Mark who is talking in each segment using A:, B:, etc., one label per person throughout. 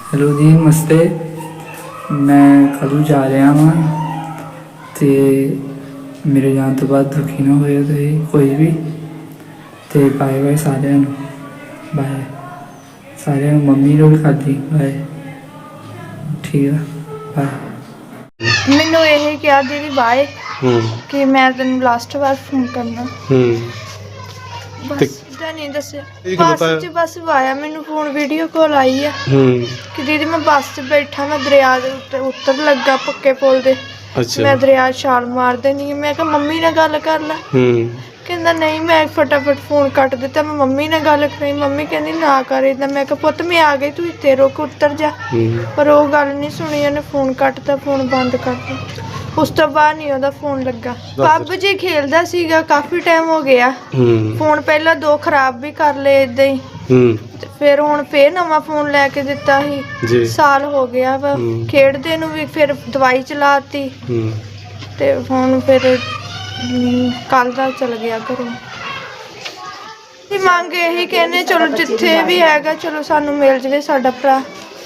A: Hello जी नमस्ते। मैं कल जा रहा हाँ तो मेरे जाने तो बाद दुखी ना होए तो कोई भी। तो बाय बाय सारे बाय सारे मम्मी ने भी खाधी बाय ठीक है बाय।
B: मैनू यही कहा दीदी बाय कि मैं तेन लास्ट बार फोन करना बस नहीं दसे बस च बस आया मैनू फोन वीडियो कॉल आई है कि दीदी मैं बस च बैठा मैं दरिया दे उतर लगा पक्के पुल दे।
C: अच्छा
B: मैं दरिया छाल मार देनी मैं कहा मम्मी ने गल कर ला कहंदा नहीं मैं फटाफट फोन कट दिता मैं मम्मी ने गल करी मम्मी कहंदी ना कर इदा मैं कहा पुत्त मैं आ गई तू इत्थे रुक उतर जा पर वो गल नहीं सुनी उन्हें फोन कटता फोन बंद कर दिया। उस तो बाद नहीं ओदा फोन लगा। PUBG खेलदा सीगा काफी टाइम हो गया फोन पहला 2 खराब भी कर ले इदा ही फिर हुण फिर नवा फोन लैके दिता ही साल हो गया वा खेडदे नूं भी फिर दवाई चलाती ते हुण फिर कल दा चल गया घरों। मंग यही कहने चलो जिथे भी हैगा चलो सानू मिल जावे साडा भरा।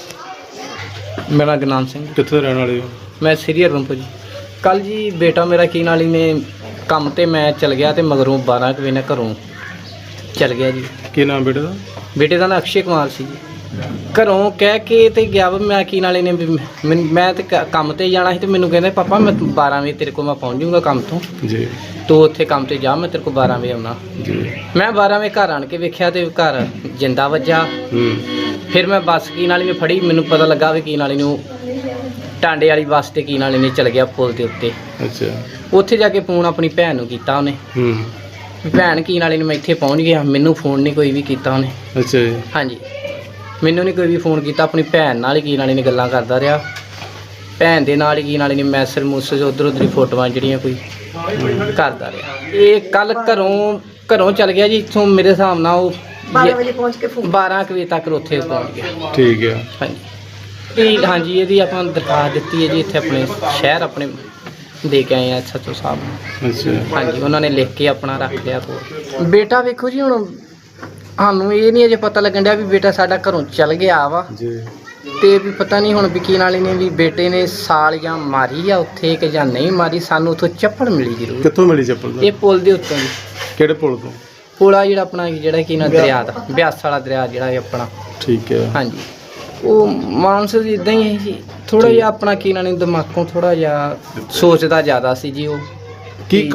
D: मेरा गुरनाम सिंह
C: कित्थे रहने वाले हो?
D: मैं श्री हरगोबिंदपुर जी। कल जी बेटा मेरा की नाली ने काम ते मैं चल गया तो मगरों 12 बजे घरों चल गया जी।
C: की नाम बेटे का?
D: बेटे का नाम अक्षय कुमार सी जी। घरों कह के ते गया वा मैं की नाले ने मैं तो काम ते जाना ही तो मैनू कहते पापा मैं 12 बजे तेरे को मैं पहुँच जाऊँगा काम तो
C: जी
D: तो उत्थे काम ते जा मैं तेरे को 12 बजे आना
C: जी।
D: मैं 12 बजे घर आन के वेख्या तो घर जिंदा वज्जा। फिर मैं बस की नाली में फड़ी मैनू पता लगा भी की नाली नूं टांडे वाली बस ते की नाली ने चल गया पुल के उत्ते।
C: अच्छा
D: उत्थे जाके फोन अपनी भैन नूं कीता उन्हें भैन की नाली ने मैं इत्थे पहुँच गया मैनू फोन नहीं कोई भी कीता उन्हें।
C: अच्छा जी
D: हाँ जी मैनू नहीं कोई भी फोन किया अपनी भैन नाल ही की नाली ने गल्लां करदा रहा भैन दे नाल ही की नाली ने मैसेज मूसेज उधर उधर फोटोआं जिहड़ियां कोई करदा रहा। ये कल घरों चल गया जी इत्थों मेरे हिसाब नाल 12 बजे पहुँच के 12 बजे तक उत्थे पहुँच गया।
C: ठीक है
D: हाँ जी हाँ जी ये ਆਪਾਂ दरखास्त ਦਿੱਤੀ है जी इत्थे अपने शहर अपने दे के आए हैं SHO साहब ਨੂੰ।
C: अच्छा
D: हाँ जी उन्होंने लिख के अपना रख लिया कोल। बेटा वेखो जी हुण ਸਾਨੂੰ ਇਹ ਨਹੀਂ ਅਜੇ ਪਤਾ ਲੱਗਣ ਡਿਆ ਵੀ ਬੇਟਾ ਸਾਡਾ ਘਰੋਂ ਚੱਲ ਗਿਆ ਵਾ
C: जी
D: ਤੇ ਵੀ ਪਤਾ ਨਹੀਂ ਹੁਣ ਵਕੀਲ ਵਾਲੇ ਨੇ ਵੀ ਬੇਟੇ ਨੇ ਸਾਲ ਜਾਂ ਮਾਰੀ ਆ ਉੱਥੇ ਕਿ ਜਾਂ ਨਹੀਂ ਮਾਰੀ ਸਾਨੂੰ ਉੱਥੋਂ ਚੱਪਲ ਮਿਲੀ ਜ਼ਰੂਰ।
C: ਕਿੱਥੋਂ ਮਿਲੀ ਚੱਪਲ
D: ਇਹ ਪੁਲ ਦੇ ਉੱਤੋਂ ਜੀ
C: ਕਿਹੜੇ ਪੁਲ ਤੋਂ?
D: ਪੁਲ ਆ ਜਿਹੜਾ ਆਪਣਾ ਜਿਹੜਾ ਕੀ ਨਾ ਦਰਿਆ ਦਾ ਬਿਆਸ ਵਾਲਾ ਦਰਿਆ ਜਿਹੜਾ ਇਹ ਆਪਣਾ।
C: ਠੀਕ ਹੈ
D: ਹਾਂਜੀ ਉਹ ਮਾਨਸ ਇਦਾਂ ਹੀ ਹੈ ਜੀ ਥੋੜਾ ਜਿਹਾ ਆਪਣਾ ਕੀ ਨਾ ਦਿਮਾਗੋਂ ਥੋੜਾ ਜਿਹਾ ਸੋਚਦਾ ਜ਼ਿਆਦਾ ਸੀ ਜੀ ਉਹ
C: ਕੀ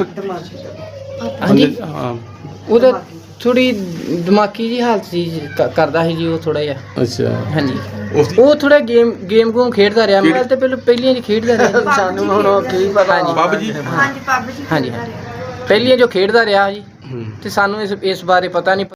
D: ਹਾਂਜੀ
C: ਹਾਂ
D: ਉਹਦਾ ਥੋੜੀ ਦਿਮਾਗੀ ਜੀ ਹਾਲਤ ਸੀ ਕਰਦਾ ਸੀ ਜੀ ਉਹ ਥੋੜਾ ਜਿਹਾ।
C: ਅੱਛਾ
D: ਹਾਂਜੀ ਉਹ ਥੋੜਾ ਗੇਮ ਗੂਮ ਖੇਡਦਾ ਰਿਹਾ ਮੈਂ ਤਾਂ ਪਹਿਲੀਆਂ ਜੀ ਖੇਡਦਾ ਰਿਹਾ ਸਾਨੂੰ ਹੁਣ ਕੀ ਪਤਾ।
C: PUBG
B: ਹਾਂਜੀ PUBG
D: ਹਾਂਜੀ ਪਹਿਲੀਆਂ ਜੋ ਖੇਡਦਾ ਰਿਹਾ ਜੀ ਤੇ ਸਾਨੂੰ ਇਸ ਬਾਰੇ ਪਤਾ ਨਹੀਂ।